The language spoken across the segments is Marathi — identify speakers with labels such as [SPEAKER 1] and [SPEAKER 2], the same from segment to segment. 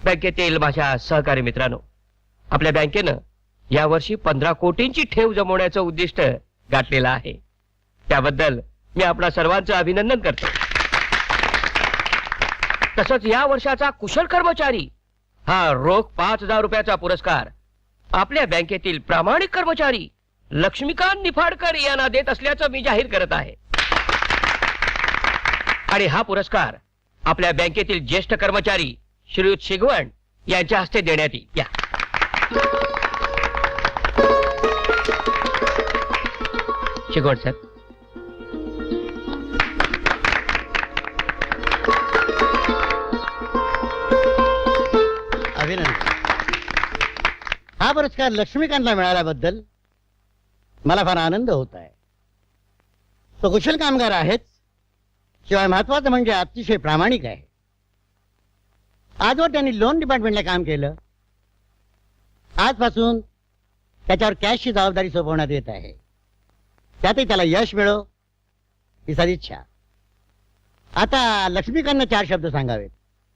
[SPEAKER 1] बँकेतील माझ्या सहकारी मित्रांनो, आपल्या बँकेनं यावर्षी 15 कोटींची ठेव जमवण्याचं उद्दिष्ट गाठलेलं आहे. त्याबद्दल मी आपणा सर्वांचं अभिनंदन करतो. तसंच या वर्षाचा कुशल कर्मचारी हा रोख 5,000 रुपयाचा पुरस्कार आपल्या बँकेतील प्रामाणिक कर्मचारी लक्ष्मीकांत निफाडकर यांना देत असल्याचं मी जाहीर करत आहे. आणि हा पुरस्कार आपल्या बँकेतील ज्येष्ठ कर्मचारी श्रीयुत शिगवण यांच्या हस्ते देण्यात येईल. शिगवण सर.
[SPEAKER 2] अभिनंदन. हा पुरस्कार लक्ष्मीकांतला मिळाल्याबद्दल मला फार आनंद होत आहे. तो कुशल कामगार आहेच, शिवाय महत्वाचं म्हणजे अतिशय प्रामाणिक आहे. आजवर त्यांनी लोन डिपार्टमेंटला काम केलं. आजपासून त्याच्यावर कॅशची जबाबदारी सोपवण्यात येत आहे. त्यातही त्याला यश मिळो ही सदिच्छा. आता लक्ष्मीकांतनं 4 शब्द सांगावेत.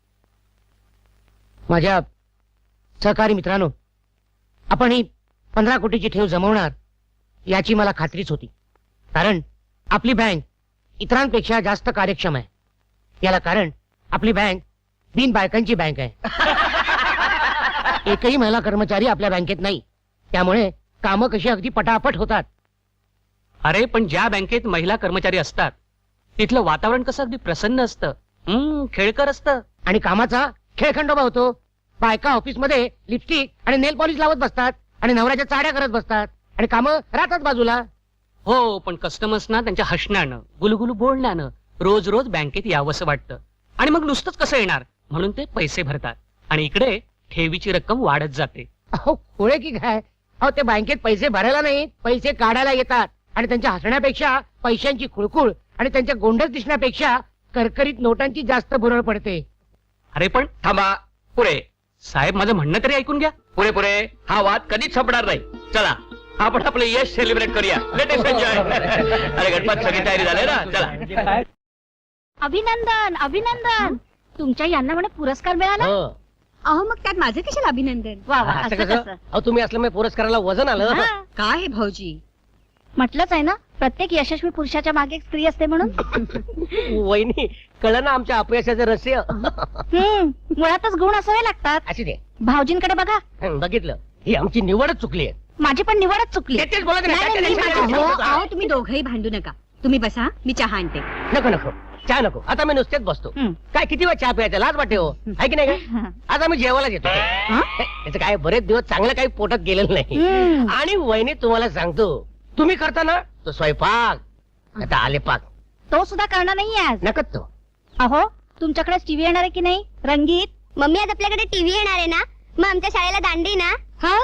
[SPEAKER 3] माझ्या सहकारी मित्रांनो, आपण ही 15 कोटीची ठेव जमवणार याची मला खात्रीच होती. कारण आपली बँक इतरांपेक्षा जास्त कार्यक्षम आहे. याला कारण आपली बँक बिन बायकांची बँक आहे. एकही महिला कर्मचारी आपल्या बँकेत नाही. त्यामुळे कामं कशी अगदी पटापट होतात.
[SPEAKER 4] अरे पण ज्या बँकेत महिला कर्मचारी असतात तिथलं वातावरण कसं अगदी प्रसन्न असतं, खेळकर असतं.
[SPEAKER 3] आणि कामाचा खेळखंडोबा होतो. बायका ऑफिसमध्ये लिपस्टिक आणि नेल पॉलिश लावत बसतात आणि नवऱ्याच्या चाड्या करत बसतात आणि कामं राहतात बाजूला.
[SPEAKER 4] हो, पण कस्टमर्सना त्यांच्या हसण्यानं गुलगुलू बोलण्यानं रोज रोज बँकेत यावंसं वाटतं. आणि मग नुसतंच कसं येणार म्हणून ते पैसे भरतात. आणि इकडे ठेवीची रक्कम वाढत जाते.
[SPEAKER 3] अहो खोळे की काय. अहो ते बँकेत पैसे भरायला नाही, पैसे काढायला येतात. आणि त्यांच्या हसण्यापेक्षा पैशांची खुळखुळ आणि त्यांच्या गोंडस दिसण्यापेक्षा करकरीत नोटांची जास्त भुरळ पडते.
[SPEAKER 4] अरे पण
[SPEAKER 1] थांबा. पुरे
[SPEAKER 4] साहेब, माझं म्हणणं तरी ऐकून घ्या.
[SPEAKER 1] पुरे पुरे हा वाद कधीच संपणार नाही. चला आपण आपलं यश सेलिब्रेट करूया. Let us enjoy. अरे गणपत सगळी तयारी झाली ना. चला.
[SPEAKER 5] अभिनंदन अभिनंदन. तुमच्या यांना म्हणे पुरस्कार मिळाला. अहो मग त्यात माझं कशाला अभिनंदन. वा वा. असं कसं.
[SPEAKER 3] अहो तुम्ही असल्यामुळे पुरस्काराला वजन आलं.
[SPEAKER 5] काय हे भाऊजी, म्हटलंच आहे ना प्रत्येक यशस्वी पुरुषाच्या मागे एक स्त्री असते म्हणून.
[SPEAKER 3] वहिनी कळलं ना आमच्या अपयशाचं रहस्य.
[SPEAKER 5] मुळातच गुण असावे लागतात.
[SPEAKER 3] अशी दे.
[SPEAKER 5] भाऊजींकडे बघा.
[SPEAKER 3] बघितलं, ही आमची निवडच चुकली आहे.
[SPEAKER 5] माझी पण निवडच चुकली.
[SPEAKER 3] तेच बोलत नाही.
[SPEAKER 5] नाही, नाही, मी माझं- अहो तुम्ही दोघंही भांडू नका. तुम्ही बसा, मी चहा आणते.
[SPEAKER 3] नको नको चहा नको. आता मी नुसतेच बसतो. काय किती वेळ चहा प्यायचा, लाज वाटते हो. आहे की नाही काय. आज आम्ही जेवायला येतो. त्याचं काय बरेच दिवस चांगलं काही पोटात गेलेलं नाही. आणि वहिनी तुम्हाला सांगतो, तुम्ही करता ना तो स्वयंपाक आता आले पाक
[SPEAKER 5] तो सुद्धा करणार नाही आज.
[SPEAKER 3] नकत तो.
[SPEAKER 5] अहो तुमच्याकडे टीव्ही येणार आहे की नाही रंगीत.
[SPEAKER 6] मम्मी आज आपल्याकडे टीव्ही येणार आहे ना. मग आमच्या शाळेला दांडी ना.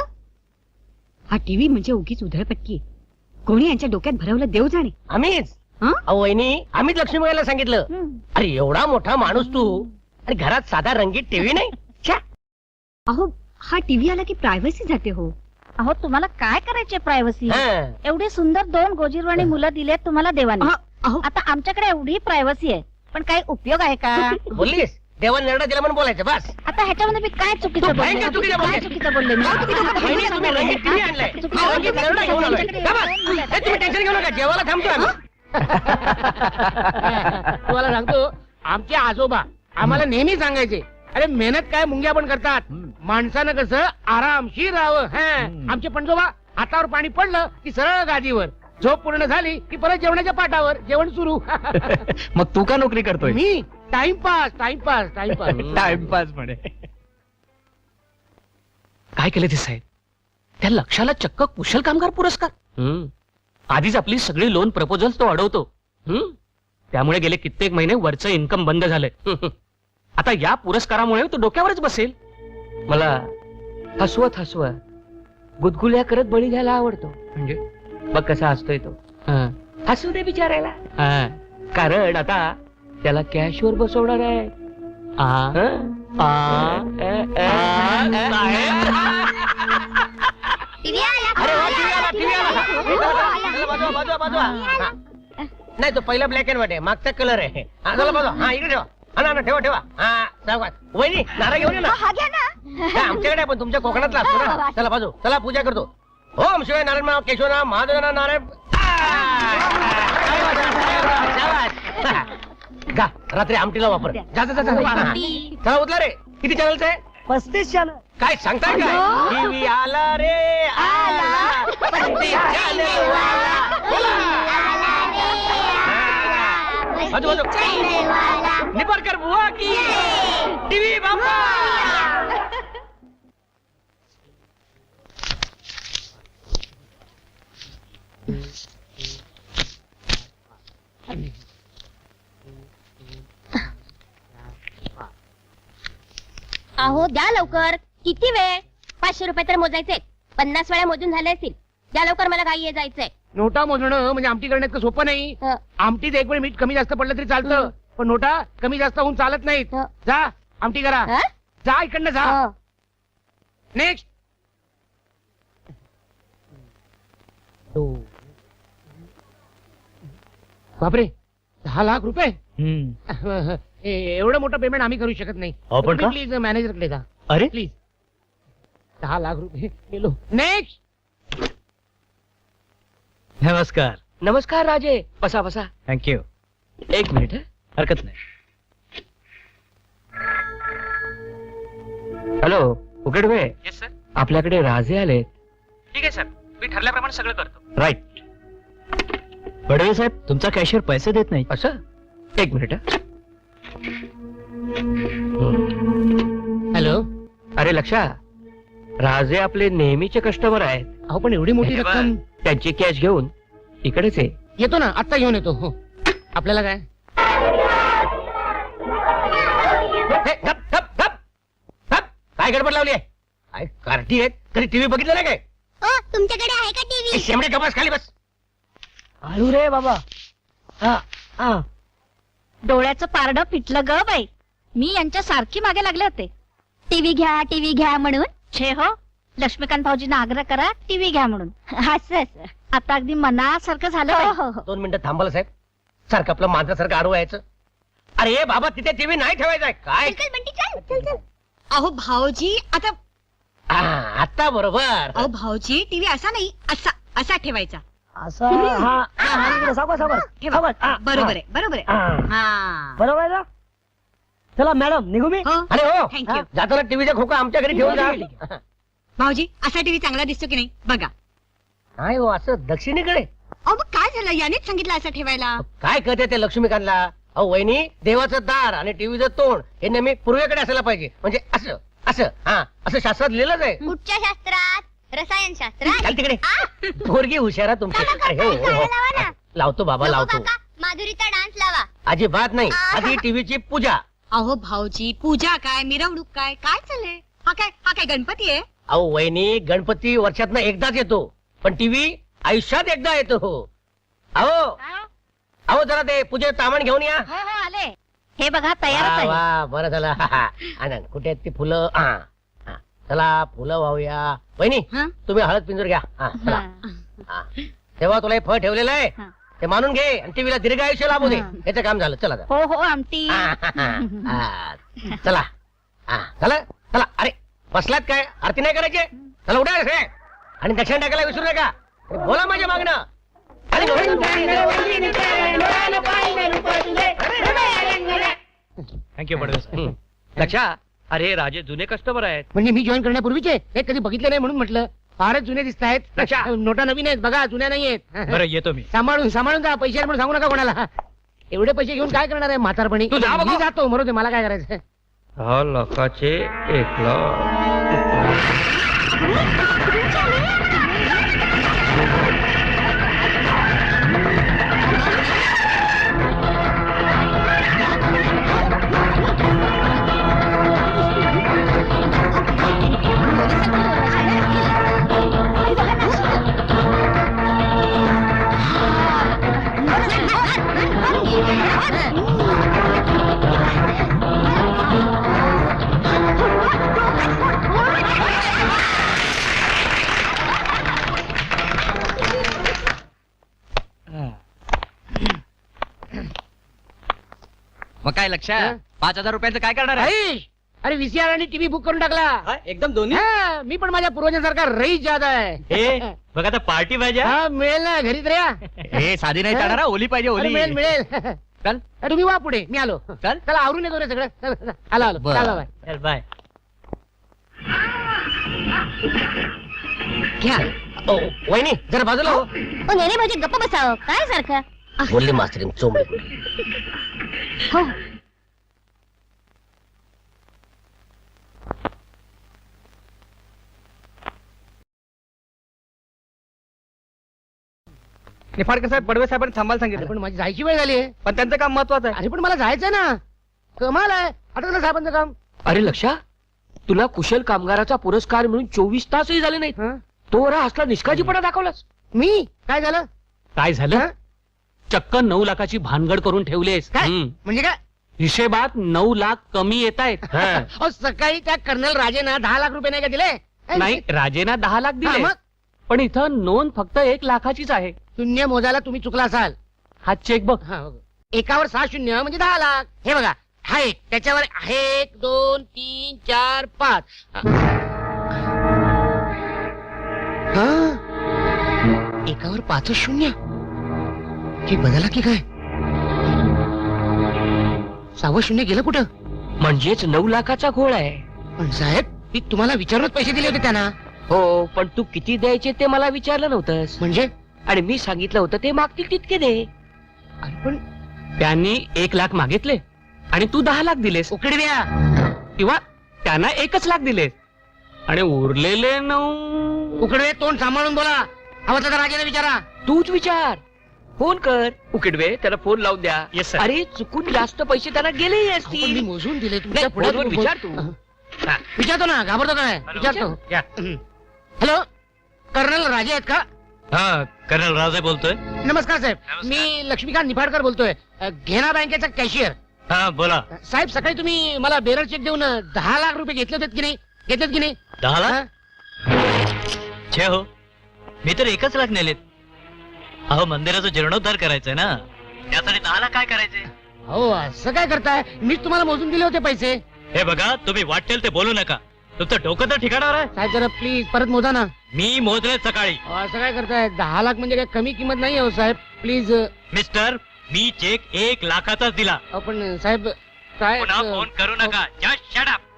[SPEAKER 5] हा टीव्ही म्हणजे उगीच उधळपट्टी. कोणी यांच्या डोक्यात भरवलं देव जाणे.
[SPEAKER 3] आम्हीच. अहो वहिनी आम्हीच लक्ष्मीबाईला सांगितलं. अरे एवढा मोठा माणूस तू आणि घरात साधा रंगीत टीव्ही नाही.
[SPEAKER 5] अहो हा टीव्ही आला की प्रायव्हसी जाते हो. अहो तुम्हाला काय करायचे प्रायव्हसी. एवढी सुंदर 2 गोजीरवाणी मुलं दिलेत तुम्हाला देवाने. आता आमच्याकडे एवढी प्रायव्हसी आहे पण काही उपयोग आहे का.
[SPEAKER 3] बोललीस देवाने निर्णय दिला म्हणून बोलायचं बस.
[SPEAKER 5] आता ह्याच्यामध्ये मी काय चुकीचं बोलले. काय चुकीचं बोलले मी.
[SPEAKER 3] वहिनी, तुम्ही रंगीत टीव्ही आणलाय. रंगीत निर्णय घेऊन आलोय. का बस? हे तुम्ही टेन्शन घेऊ नका. जेवायला थांबतो आम्ही. तुम्हाला सांगतो आमचे आजोबा आम्हाला नेहमी सांगायचे, अरे मेहनत काय मुंग्या पण करतात. माणसानं कसं आरामशीर राहावं. आमचे पणजोबा हातावर पाणी पडलं की सरळ गादीवर. झोप पूर्ण झाली की परत जेवणाच्या पाठावर. जेवण सुरू.
[SPEAKER 4] मग तू का नोकरी करतोय.
[SPEAKER 3] मी टाइमपास टाइमपास टाइमपास
[SPEAKER 4] टाइमपास म्हणे. काय केलं ते साहेब. त्या लक्षाला चक्क कुशल कामगार पुरस्कार. आधीच आपली सगळी लोन प्रपोजल तो अडवतो. त्यामुळे गेले कित्येक महिने वरचं इन्कम बंद झालंय. आता या पुरस्कारामुळे तो डोक्यावरच बसेल.
[SPEAKER 1] मला हसवत हसवत गुदगुल्या करत बळी घ्यायला आवडतो.
[SPEAKER 4] म्हणजे
[SPEAKER 1] बघ कसा हसतोय तो. हसू दे बिचारायला. कारण आता त्याला कॅशवर बसवणार आहे.
[SPEAKER 6] टीव्ही आला.
[SPEAKER 3] अरे वा, टीव्ही आला, टीव्ही आला. बाजूला. नाही तो पहिला ब्लॅक अँड व्हाईट आहे. मागचा कलर आहे. चला बाजू. हा इकडे ठेवा.
[SPEAKER 1] ना ना, ठेवा ठेवा. हा सावकाश. वहिनी नारळ घेऊन ये ना.
[SPEAKER 6] हा घ्या ना.
[SPEAKER 1] हा, आमच्याकडे पण तुमच्या कोकणातला असतो ना. चला बाजू, चला पूजा करतो. ओम शिवाय नारायण केशवना महादेवना नारायण. गा रात्री आमटीला वापर. जा जा जा, जा. चला उतला रे. किती चॅनलच आहे?
[SPEAKER 3] 35 चॅनल.
[SPEAKER 1] काय सांगताय काय? टीव्ही आला रे आला. 35 channel वाला. बाजू बाजू. निपारकर बुवा की टीव्ही बाबा.
[SPEAKER 6] अहो द्या लवकर. किती वेळ? 500 रुपये तर मोजायचे. 50 वेळा मोजून झाले असतील. द्या लवकर, मला घाई जायचंय.
[SPEAKER 3] नोटा मोजणं म्हणजे आमटी करण्यात इतकं सोपं नाही.
[SPEAKER 6] हं.
[SPEAKER 3] आमटीत एक वेळ मीठ कमी जास्त पडलं तरी चालतं, पण नोटा कमी जास्त होऊन चालत नाहीत.
[SPEAKER 6] हं.
[SPEAKER 3] जा आमटी करा.
[SPEAKER 6] हं?
[SPEAKER 3] जा इकडनं जा.
[SPEAKER 6] हं.
[SPEAKER 3] नेक्स्ट. बापरे, 10 लाख रुपये. एवढं मोठं पेमेंट आम्ही करू शकत नाही.
[SPEAKER 2] आपण का?
[SPEAKER 3] प्लीज मॅनेजरकडे जा.
[SPEAKER 2] अरे
[SPEAKER 3] प्लीज. 10 लाख रुपये गेलो. नेक्स्ट.
[SPEAKER 2] नमस्कार.
[SPEAKER 1] नमस्कार राजे. बसा बसा.
[SPEAKER 2] थँक्यू.
[SPEAKER 1] एक मिनिट हं.
[SPEAKER 2] हरकत नाही.
[SPEAKER 1] Hello Ukidve,
[SPEAKER 4] yes sir.
[SPEAKER 1] आपल्याकडे राजे आले.
[SPEAKER 4] ठीक आहे सर, मी ठरल्याप्रमाणे सगळं करतो.
[SPEAKER 1] राईट.
[SPEAKER 2] बडवे साहेब, तुमचा कॅशियर पैसे देत नाही.
[SPEAKER 1] असं एक मिनिट हं.
[SPEAKER 3] हॅलो.
[SPEAKER 1] अरे लक्षा, राजे आपले नेहमीचे कस्टमर आहेत.
[SPEAKER 3] अहो पण एवढी मोठी
[SPEAKER 1] हे बघ,
[SPEAKER 3] रक्कम.
[SPEAKER 1] त्यांची कॅश घेऊन इकडेच आहे.
[SPEAKER 3] येतो ना, आत्ता घेऊन येतो. हो. आपल्याला काय?
[SPEAKER 1] हे, गप, गप, गप. गप. काय गडबड लावली आहे? काय कार्टी आहेत? कधी टीव्ही बघितलं नाही काय?
[SPEAKER 6] ओ, तुमच्याकडे आहे का टीव्ही?
[SPEAKER 1] शेमडे कपास खाली बस.
[SPEAKER 3] आळू रे बाबा.
[SPEAKER 5] डोळ्याचं पारडं फिटलं ग बाई. मी यांच्या सारखी मागे लागले होते.
[SPEAKER 6] टीव्ही घ्या म्हणून.
[SPEAKER 5] छे हो, लक्ष्मीकांत भाऊजींना आग्रह करा टीव्ही घ्या म्हणून.
[SPEAKER 6] असं.
[SPEAKER 5] आता अगदी मनासारखं झालं
[SPEAKER 6] हो
[SPEAKER 5] बाई.
[SPEAKER 6] हो हो.
[SPEAKER 1] 2 मिनिटं थांबाल साहेब. सारखं आपलं माणसासारखं आडवं यायचं. अरे बाबा, तिथे टीव्ही नाही ठेवायचा काय?
[SPEAKER 6] चल बंटी, चल चल चल.
[SPEAKER 5] अहो भाऊजी, आता
[SPEAKER 1] हा, आता बरोबर.
[SPEAKER 5] अहो भाऊजी, टीव्ही असा नाही, असा असा ठेवायचा.
[SPEAKER 3] असं.
[SPEAKER 5] ठेवा. बरोबर आहे, बरोबर आहे. हा.
[SPEAKER 3] बरोबर आहे ना. चला मॅडम, निघू मी.
[SPEAKER 5] हो.
[SPEAKER 1] अरे हो,
[SPEAKER 5] थँक्यू.
[SPEAKER 1] जाताना टीव्हीचा खोका आमच्या घरी ठेवून जा.
[SPEAKER 5] भाऊजी, असा टीव्ही चांगला दिसतो की नाही बघा.
[SPEAKER 1] नाही हो, असं दक्षिणेकडे.
[SPEAKER 5] अहो मग काय झालं, यानेच सांगितलं असं ठेवायला.
[SPEAKER 1] काय करते ते लक्ष्मीकांतला? अहो वहिनी, देवाचं दार आणि टीव्हीचं तोंड हे नेहमी पूर्वेकडे असायला पाहिजे. म्हणजे असं असं. हा, असं शास्त्रात लिहिलंच आहे.
[SPEAKER 6] कुठच्या शास्त्रात? रसायन शास्त्रात.
[SPEAKER 1] चाल तिकडे. पोरगी हुशारा तुमची. अरे हो, हो, हो. लावतो बाबा,
[SPEAKER 6] नको
[SPEAKER 1] लावतो.
[SPEAKER 6] काका, माधुरीचा डान्स लावा.
[SPEAKER 1] अजिबात नाही. आधी टीव्हीची पूजा.
[SPEAKER 5] अहो भाऊजी, पूजा काय, मिरवणूक काय, काय चाललंय? हा काय गणपती आहे?
[SPEAKER 1] अहो वहिनी, गणपती वर्षातनं एकदाच येतो, पण टीव्ही आयुष्यात एकदा येतो. अहो अहो, जरा ते पूजे सामान घेऊन या.
[SPEAKER 5] हो हो, आले. हे बघा, तयारच
[SPEAKER 1] वा
[SPEAKER 5] आहे.
[SPEAKER 1] वा, बरं झालं. आनंद, कुठे आहेत ती फुलं? हा, हा. चला फुलं वाहूया. वहिनी,
[SPEAKER 5] हं?
[SPEAKER 1] तुम्ही हळद पिंजूर घ्या. हा, चला. हा. तेव्हा तुला हे फळ ठेवलेलं आहे,
[SPEAKER 5] हं.
[SPEAKER 1] ते मानून घे आणि टीव्हीला दीर्घ आयुष्य लाभू दे.
[SPEAKER 5] हं.
[SPEAKER 1] याचं काम झालं. चला आता.
[SPEAKER 5] हो हो, आमटी.
[SPEAKER 1] हा, चला. हा, चला चला. अरे बसलात काय? आरती नाही करायची? चला उठा रे. आणि दक्षिण टाकायला विसरू नका. आणि बोला माझ्या मागणं.
[SPEAKER 2] थँक्यू बडवे साहेब.
[SPEAKER 1] लक्षा, अरे राजे जुने कस्टमर आहेत.
[SPEAKER 3] म्हणजे मी जॉईन करण्यापूर्वीचे हे कधी बघितले नाही म्हणून म्हटलं. फारच जुने दिसत आहेत.
[SPEAKER 1] अच्छा.
[SPEAKER 3] नोटा नवीन आहेत बघा, जुन्या नाही आहेत.
[SPEAKER 2] बरं, येतो मी.
[SPEAKER 3] सांभाळून सांभाळून जा. पैसे म्हणून सांगू नका कोणाला. एवढे पैसे घेऊन काय करणार आहे म्हातारपणी?
[SPEAKER 1] तू जा बघा.
[SPEAKER 3] मी जातो, मरू दे, मला काय करायचं.
[SPEAKER 1] 10 लाखाचे 1 लाख.
[SPEAKER 7] मग काय लक्ष
[SPEAKER 3] हा?
[SPEAKER 7] 5,000 रुपयाचं काय करणार आहे
[SPEAKER 3] आईश, अरे व्हीसीआर आणि टीव्ही बुक करून टाकला.
[SPEAKER 7] एकदम दोन्ही
[SPEAKER 3] हा, मी पण माझ्या पूर्वजांसारखा रईस जादा आहे.
[SPEAKER 7] बघ आता पार्टी पाहिजे
[SPEAKER 3] हा मिळेल ना, घरीच रे या.
[SPEAKER 7] हे साधी नाही चालणार हा, ओली पाहिजे
[SPEAKER 3] अरे,
[SPEAKER 7] ओली
[SPEAKER 3] मिळेल मिळेल.
[SPEAKER 7] चल
[SPEAKER 3] तुम्ही वा पुढे, मी आलो.
[SPEAKER 7] चल
[SPEAKER 3] चला आवरून येतो रे सगळं. चला, चला. आलो आलो.
[SPEAKER 7] बरं.
[SPEAKER 3] चला, बाय.
[SPEAKER 7] चल बाय
[SPEAKER 3] घ्या.
[SPEAKER 1] वहिनी जरा बाजूला हो.
[SPEAKER 6] ओ नेने भाऊजी गप्प बसाव काय सारखं
[SPEAKER 1] बोलले मास्तरीन चोंबडी.
[SPEAKER 6] हो
[SPEAKER 7] निफाडकर साहेब बडवे साहेबांनी थांबायला
[SPEAKER 3] अरे,
[SPEAKER 7] सांगितलं
[SPEAKER 3] पण माझी जायची वेळ झाली आहे.
[SPEAKER 7] पण त्यांचं काम महत्वाचं आहे
[SPEAKER 3] अरे पण मला जायचंय ना. कमाल आहे, आठवलं साहेबांचं काम.
[SPEAKER 1] अरे लक्षा, तुला कुशल कामगाराचा पुरस्कार मिळून 24 तासही झाले नाहीत.
[SPEAKER 3] हं?
[SPEAKER 1] तो रा असला निष्काळजीपणा दाखवलास.
[SPEAKER 3] मी काय झालं?
[SPEAKER 4] काय झालं चक्क 9 लाखाची भानगड करून ठेवलेस.
[SPEAKER 3] काय
[SPEAKER 4] हम्म.
[SPEAKER 3] म्हणजे काय?
[SPEAKER 4] हिशेबात 9 लाख कमी येत आहेत.
[SPEAKER 3] अहो, सकाळी त्या कर्नल राजेना 10 लाख रुपये नाही का दिले?
[SPEAKER 4] नाही राजेना 10 लाख
[SPEAKER 3] हा,
[SPEAKER 4] दिले
[SPEAKER 3] मग
[SPEAKER 4] पण इथं नोंद फक्त 1 लाखाचीच आहे.
[SPEAKER 3] शून्य मोजायला तुम्ही चुकला असाल.
[SPEAKER 4] हा चेक बघ.
[SPEAKER 3] हा, हो. एकावर 6 शून्य म्हणजे 10 लाख. हे बघा, हा एक, त्याच्यावर 1 2 3 4 5. एकावर 5 शून्य. हे बदला की काय? 6वं शून्य गेलं कुठं?
[SPEAKER 1] म्हणजेच 9 लाखाचा घोळ आहे.
[SPEAKER 3] पण साहेब, मी तुम्हाला विचारूनच पैसे दिले होते त्यांना.
[SPEAKER 1] हो, पण तू किती द्यायचे ते मला विचारलं नव्हतंस.
[SPEAKER 3] म्हणजे
[SPEAKER 1] आणि मी सांगितलं होतं ते मागतील तितके दे.
[SPEAKER 3] अरे पण
[SPEAKER 4] त्यांनी 1 लाख मागितले आणि तू 10 लाख दिलेस
[SPEAKER 3] उकडे द्या.
[SPEAKER 4] किंवा त्यांना 1च लाख दिलेस आणि उरलेले 9.
[SPEAKER 3] उकडे, तोंड सांभाळून बोला. हवं तर राजाने विचारा.
[SPEAKER 1] तूच विचार. फोन कर उकिडवे, त्याला फोन लावून द्या.
[SPEAKER 4] Yes, sir.
[SPEAKER 1] अरे चुकून जास्त पैसे त्याला गेलेही
[SPEAKER 3] अहो, पण मी
[SPEAKER 1] असतील.
[SPEAKER 3] मोजून दिले
[SPEAKER 1] नाही,
[SPEAKER 3] तुमच्या पुढे.
[SPEAKER 1] फोनवर विचार तू. हा.
[SPEAKER 3] विचारतो ना, घाबरतो काय? विचारतो.
[SPEAKER 4] या.
[SPEAKER 3] हॅलो, कर्नल राजे आहेत का?
[SPEAKER 7] हा कर्नल राजे बोलतोय
[SPEAKER 3] नमस्कार साहेब, मी लक्ष्मीकांत निफाडकर बोलतोय, घेना बँकेचा कॅशियर.
[SPEAKER 7] हा बोला
[SPEAKER 3] साहेब, सकाळी तुम्ही मला बेरर चेक देऊन 10 लाख रुपये घेतले होते की नाही? घेतलेत की नाही?
[SPEAKER 7] 10
[SPEAKER 3] हा?
[SPEAKER 7] छे हो मी तर 1च लाख नेलेत. अहो मंदिराचा जीर्णोद्धार करायचंय ना, त्यासाठी 10 लाख काय करायचे.
[SPEAKER 3] हो, असं काय करताय? मीच तुम्हाला मोजून दिले होते पैसे.
[SPEAKER 7] हे बघा तुम्ही वाटेल ते बोलू नका, तुमचं डोकं तर ठिकाणावर आहे.
[SPEAKER 3] साहेब जरा प्लीज परत मोजा ना.
[SPEAKER 7] मी मोजले सकाळी.
[SPEAKER 3] अहो, असं काय करताय? 10 लाख म्हणजे काय कमी किंमत नाही हो साहेब, प्लीज.
[SPEAKER 7] मिस्टर मी चेक 1 लाखाचाच दिला.
[SPEAKER 3] पण साहेब काय?
[SPEAKER 7] पुन्हा फोन करू नका, जस्ट शट अप.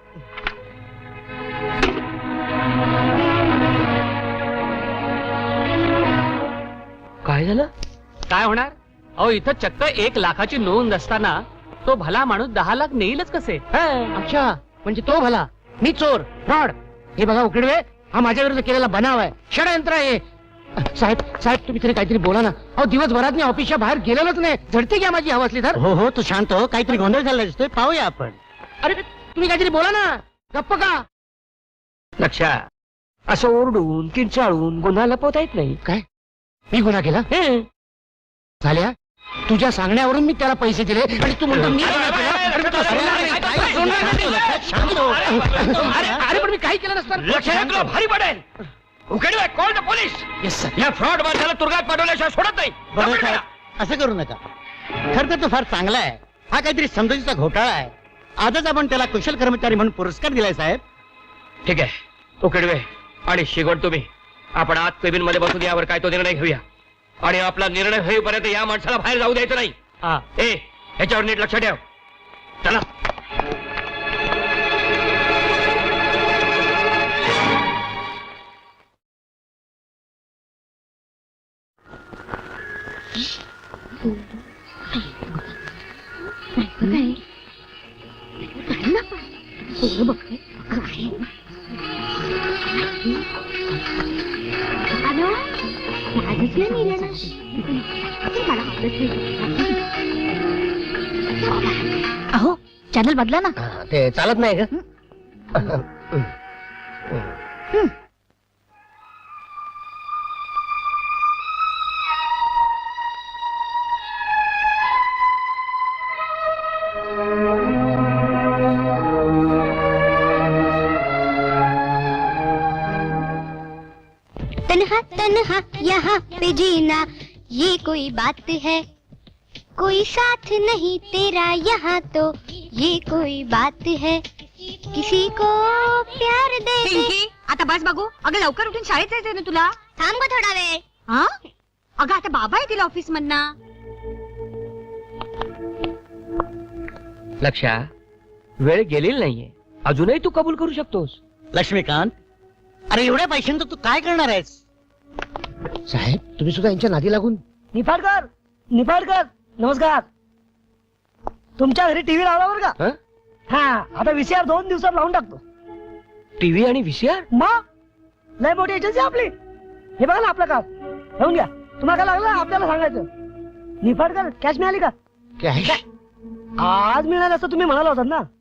[SPEAKER 1] काय झालं?
[SPEAKER 4] काय होणार? अहो इथं चक्क 1 लाखाची नोंद असताना तो भला माणूस 10 लाख नेईलच कसे?
[SPEAKER 3] अच्छा, म्हणजे तो भला, मी चोर, फ्रॉड. हे बघा उकडवे, हा माझ्या विरुद्ध केलेला बनाव आहे, षडयंत्र आहे. साहेब साहेब, तुम्ही तरी काहीतरी बोला ना. अहो दिवसभरात मी ऑफिसच्या बाहेर गेलेलोच नाही. झडते घ्या माझी हवा असली तर.
[SPEAKER 2] हो हो, तू शांत हो. काहीतरी गोंधळ झाला दिसतोय, पाहूया आपण.
[SPEAKER 3] अरे तुम्ही काहीतरी बोला ना. गप्प का?
[SPEAKER 1] लक्षा, असं ओरडून किंचाळून गुन्हा लपवता येत नाही.
[SPEAKER 3] काय? मी गुन्हा केला?
[SPEAKER 1] हं.
[SPEAKER 3] झाल्या, तुझ्या सांगण्यावरून मी त्याला पैसे दिले आणि तू म्हणतो मी गुन्हा केला? अरे, तो सोडणार नाही.
[SPEAKER 2] काय
[SPEAKER 3] सोडणार नाही.
[SPEAKER 2] शांत हो.
[SPEAKER 3] अरे पण मी काही केलं नसतं.
[SPEAKER 1] लक्षा, तुला भारी पडेल. Ukidve, call the police.
[SPEAKER 3] Yes sir.
[SPEAKER 1] या फ्रॉड माणसाला तुरुंगात पाठवल्याशिवाय सोडत नाही.
[SPEAKER 2] बरं साहेब, असं करू नका. खरं तर तो फार चांगला आहे. हा काहीतरी समजुतीचा घोटाळा आहे. आजच आपण त्याला कुशल कर्मचारी म्हणून पुरस्कार दिलाय साहेब.
[SPEAKER 1] ठीक आहे उकिडवे आणि शिगवण, तुम्ही आपण आत केबिन मध्ये बसून यावर काय तो निर्णय घेऊया. आणि आपला निर्णय होईपर्यंत या माणसाला बाहेर जाऊ द्यायचं नाही.
[SPEAKER 4] हा.
[SPEAKER 1] ए, ह्याच्यावर नीट लक्ष ठेव. चला.
[SPEAKER 5] अहो, चॅनल बदला ना.
[SPEAKER 1] ते चालत नाही का?
[SPEAKER 6] तन्हा तन्हा यहाँ पे जीना ये कोई बात है. कोई साथ नहीं तेरा यहाँ तो ये कोई बात है किसी को प्यार दे दे.
[SPEAKER 5] आता बस बघू. अगं लवकर उठून शाळेत जायचंय ना तुला.
[SPEAKER 6] थांब गं थोडा वेळ.
[SPEAKER 5] हा अगं आता बाबा येतील ऑफिस मधनं.
[SPEAKER 1] लक्षा, वेळ गेलेली नाहीये, अजूनही तू कबूल करू शकतोस.
[SPEAKER 2] लक्ष्मीकांत, अरे एवढ्या पैशांचं तू काय करणार आहेस?
[SPEAKER 3] साहेब तुम्ही सुद्धा यांच्या नादी लागून.
[SPEAKER 8] निफाडकर निफाडकर नमस्कार. तुमच्या घरी टीव्ही लावला बरं का?
[SPEAKER 1] हं?
[SPEAKER 8] हा आता VCR 2 दिवसात लावून टाकतो.
[SPEAKER 1] टीव्ही आणि VCR?
[SPEAKER 8] मग लय मोठी एजन्सी आपली. हे बघा ना आपलं काम घेऊन घ्या. तुम्हाला काय लागलं आपल्याला सांगायचं. निफाडकर कॅश मिळाली का?
[SPEAKER 3] काय
[SPEAKER 8] आज मिळालं असं तुम्ही म्हणाला होतात ना.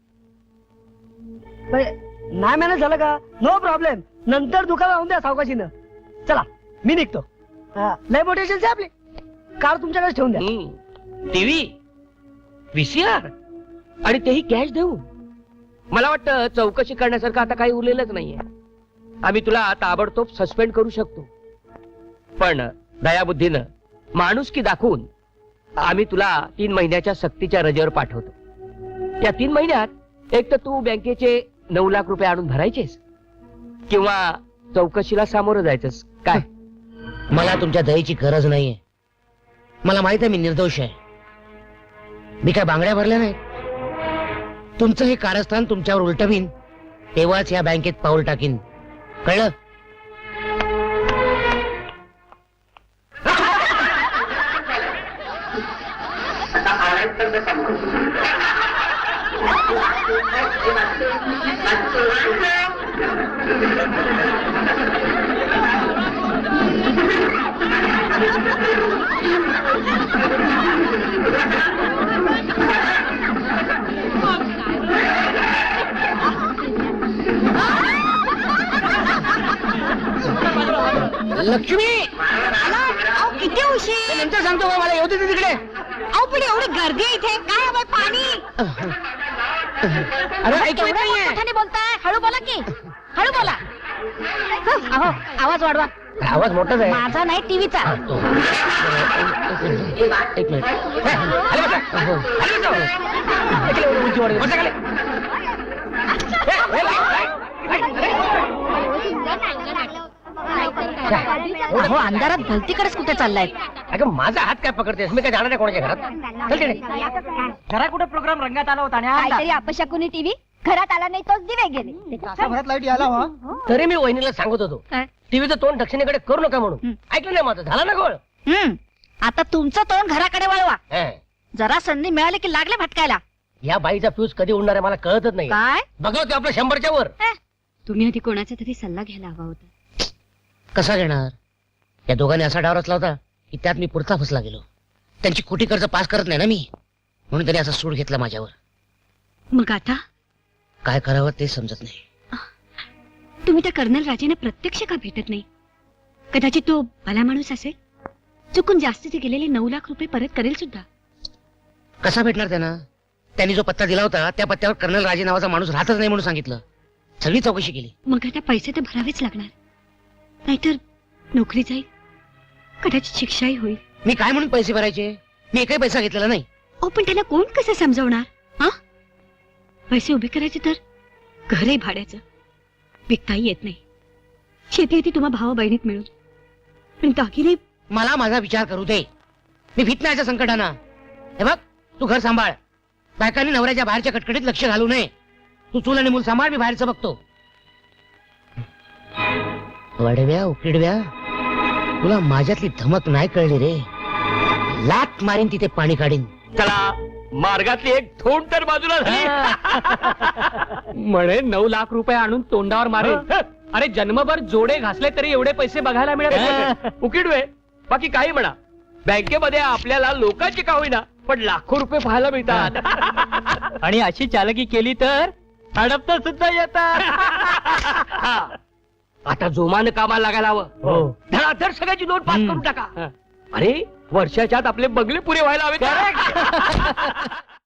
[SPEAKER 8] नाही मॅनेज झालं का? नो प्रॉब्लेम, नंतर दुकान लावून द्या सावकाशीनं. चला मी निघतो. हा, लय मोठी एजन्सी आपली. कार तुमच्याकडे ठेवून द्या.
[SPEAKER 1] टीव्ही, VCR आणि तेही कॅश देऊन. मला वाटतं चौकशी करण्यासारखं आता काही उरलेलंच नाहीये. आम्ही तुला ताबडतोब सस्पेंड करू शकतो, पण दयाबुद्धीनं माणुसकी दाखवून आम्ही तुला 3 महिन्याच्या सक्तीच्या रजेवर पाठवतो. या 3 महिन्यात एक तर तू बँकेचे 9 लाख रुपये आणून भरायचेस किंवा चौकशीला सामोरं जायचंस. काय?
[SPEAKER 3] मला तुमच्या दयेची गरज नाहीये. मला माहित आहे मी निर्दोष आहे. मी काय बांगड्या भरल्या नाही. तुमचं हे कारस्थान तुमच्यावर उलटवीन तेव्हाच या बँकेत पाऊल टाकीन. कळलं? लक्ष्मी
[SPEAKER 5] अहो किती उशीर.
[SPEAKER 3] नंतर सांगतो बा, मला येऊ दे तिकडे.
[SPEAKER 5] अहो पण एवढी गर्दी आहे इथे. काय हवंय? पाणी.
[SPEAKER 3] अरे ऐकत
[SPEAKER 5] एवढं
[SPEAKER 3] नाहीये.
[SPEAKER 5] मोठ्याने बोलताय. हळू बोला की. हळू बोला. अहो आवाज वाढवा.
[SPEAKER 3] आवाज मोठाच आहे.
[SPEAKER 5] माझा नाही टीव्हीचा.
[SPEAKER 3] एक मिनिट.
[SPEAKER 1] खाली बसा. खाली बसा.
[SPEAKER 3] इकडे एवढी उंची वाढली.
[SPEAKER 1] बसा खाली.
[SPEAKER 5] हो अंधारात भलतीकडेच कुठे चाललाय.
[SPEAKER 3] अगं माझा हात काय पकडतेस? मी काय जाणार नाही कोणाच्या घरात. चल तिकडे.
[SPEAKER 8] घरा कुठे प्रोग्राम रंगात आला होता आणि आज
[SPEAKER 5] काहीतरी अपशकुनी टीव्ही घरात आला नाही तोच दिवे गेले.
[SPEAKER 8] तासाभरात लाईट यायला हवा.
[SPEAKER 3] तरी मी वहिनीला सांगत होतो
[SPEAKER 5] काय?
[SPEAKER 3] टीव्हीचं तोंड दक्षिणेकडे करू नका म्हणून. ऐकलं नाही माझं. झाला ना गोळ.
[SPEAKER 5] आता तुमचं तोंड घराकडे वळवा.
[SPEAKER 3] हं.
[SPEAKER 5] जरा संधी मिळाली की लागले भटकायला.
[SPEAKER 3] या बाईचा फ्यूज कधी उडणार आहे मला कळतच नाही.
[SPEAKER 5] काय?
[SPEAKER 3] बघा ते आपलं 100च्या वर.
[SPEAKER 5] तुम्ही आधी कोणाचा तरी सल्ला घ्यायला हवा होता.
[SPEAKER 3] कसा घेणार? या दोघांनी असा डाव रचला होता की त्यात मी पुरता फसला गेलो. त्यांची खोटी कर्ज पास करत नाही ना मी, म्हणून त्यांनी असा सूड घेतला माझ्यावर.
[SPEAKER 5] मग आता
[SPEAKER 3] काय करावं ते समजत नाही.
[SPEAKER 5] तुम्ही त्या कर्नल राजेने प्रत्यक्ष का भेटत नाही? कदाचित तो भला माणूस असेल. चुकून जास्तीचे गेलेले 9 लाख रुपये परत करेल सुद्धा.
[SPEAKER 3] कसा भेटणार त्यांना? त्यांनी जो पत्ता दिला होता त्या पत्त्यावर कर्नल राजे नावाचा माणूस राहतच नाही म्हणून सांगितलं. सगळी चौकशी केली.
[SPEAKER 5] मग आता पैसे तर भरावेच लागणार, नाहीतर नोकरी जाईल, कदाचित शिक्षाही होईल.
[SPEAKER 3] मी काय म्हणून पैसे भरायचे? मी एकही पैसा घेतलेला नाही.
[SPEAKER 5] अहो पण त्याला कोण कसं समजवणार? हा पैसे उभे करायचे तर घरही भाड्याचं, विकताही येत नाही. शेती येते तुम्हा भावा बहिणीत मिळून, पण दागिने.
[SPEAKER 3] मला माझा विचार करू दे. मी भीत नाही याच्या संकटानं. हे बघ, तू घर सांभाळ. बायकांनी नवऱ्याच्या बाहेरच्या कटकटीत लक्ष घालू नये. तू चूल आणि मूल सांभाळ, मी बाहेरचं बघतो. वडव्या उकिडव्या, तुला माझ्यातली धमक नाही कळली रे. लात मारीन तिथे पाणी काढीन.
[SPEAKER 1] चला, मार्गातली एक थोंड तर बाजूला झाली.
[SPEAKER 4] म्हणे 9 लाख रुपये आणून तोंडावर मारे. अरे जन्मभर जोडे घासले तरी एवढे पैसे बघायला मिळत नाही.
[SPEAKER 1] उकिडवे, बाकी काही म्हणा, बँकेमध्ये आपल्याला लोकांची का होईना पण लाखो रुपये पाहायला मिळतात.
[SPEAKER 7] आणि अशी चालकी केली तर हडपता सुद्धा येतात.
[SPEAKER 1] आता जोमानं कामाला लागायला हवं. धडाधड सगळ्याची नोट पास करून टाका. अरे वर्षाच्या आत आपले बंगले पुरे व्हायला हवे.